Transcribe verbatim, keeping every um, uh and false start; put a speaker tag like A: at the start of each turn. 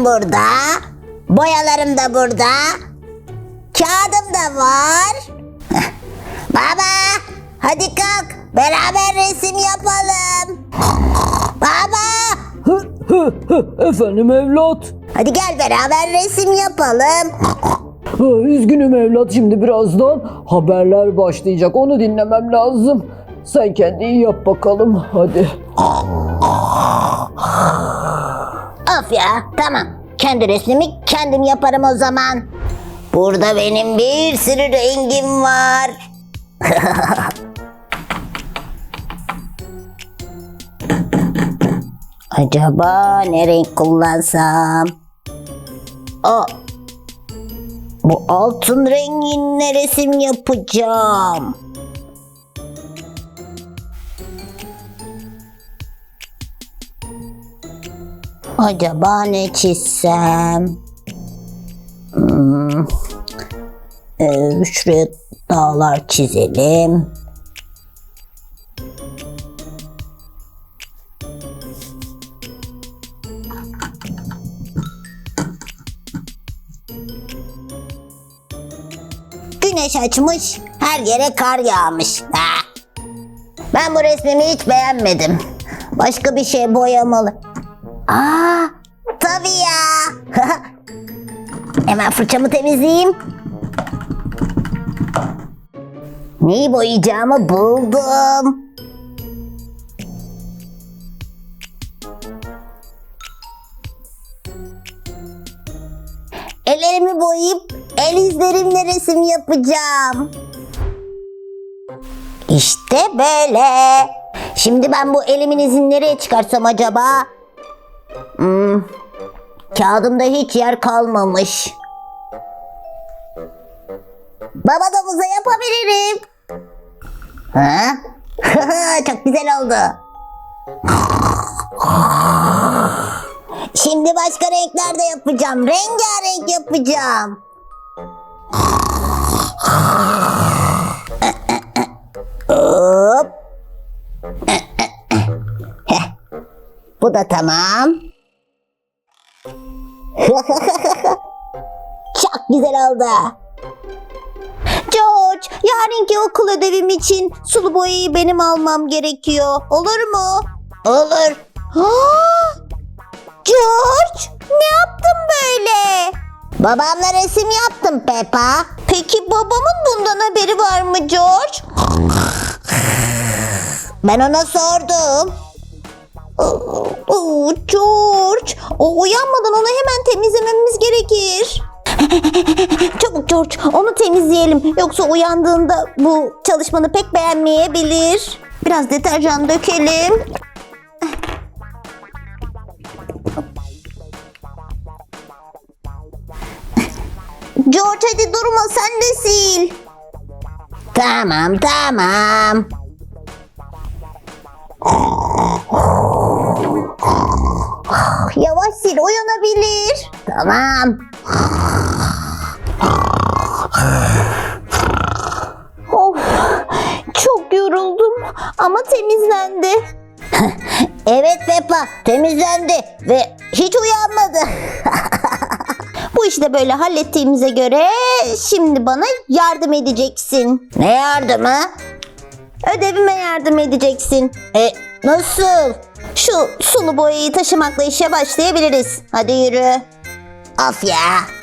A: Resimlerim burada. Boyalarım da burada. Kağıdım da var. Baba, hadi kalk. Beraber resim yapalım. Baba.
B: Efendim evlat.
A: Hadi gel beraber resim yapalım.
B: Üzgünüm evlat, şimdi birazdan haberler başlayacak. Onu dinlemem lazım. Sen kendin yap bakalım hadi.
A: Of ya, tamam. Kendi resmimi kendim yaparım o zaman. Burada benim bir sürü rengim var. Acaba ne renk kullansam? Aa, bu altın renginle resim yapacağım. Acaba ne çizsem? Hmm. Ee, şuraya dağlar çizelim. Güneş açmış, her yere kar yağmış. Ha. Ben bu resmimi hiç beğenmedim. Başka bir şey boyamalı. Aa, tabii ya. Hemen fırçamı temizleyeyim. Neyi boyayacağımı buldum. Ellerimi boyayıp el izlerimle resim yapacağım. İşte böyle. Şimdi ben bu elimin izini nereye çıkarsam acaba? Hmm, kağıdımda hiç yer kalmamış. Baba domuza yapabilirim. Ha? Çok güzel oldu. Şimdi başka renkler de yapacağım. Rengarenk yapacağım. Hop. Bu da tamam. Çok güzel oldu. George, yarınki okul ödevim için sulu boyayı benim almam gerekiyor. Olur mu? Olur. George, ne yaptın böyle? Babamla resim yaptım Peppa. Peki babamın bundan haberi var mı George? Ben ona sordum. Oo, George, o uyanmadan onu hemen temizlememiz gerekir. Çabuk George, onu temizleyelim. Yoksa uyandığında bu çalışmanı pek beğenmeyebilir. Biraz deterjan dökelim. George, hadi durma, sen de sil. Tamam, tamam. Yavaş sil, uyanabilir. Tamam. Of, çok yoruldum ama temizlendi. Evet Peppa, temizlendi ve hiç uyanmadı. Bu işi de böyle hallettiğimize göre şimdi bana yardım edeceksin. Ne yardımı? Ödevime yardım edeceksin. E, nasıl? Şu sulu boyayı taşımakla işe başlayabiliriz. Hadi yürü. Of ya.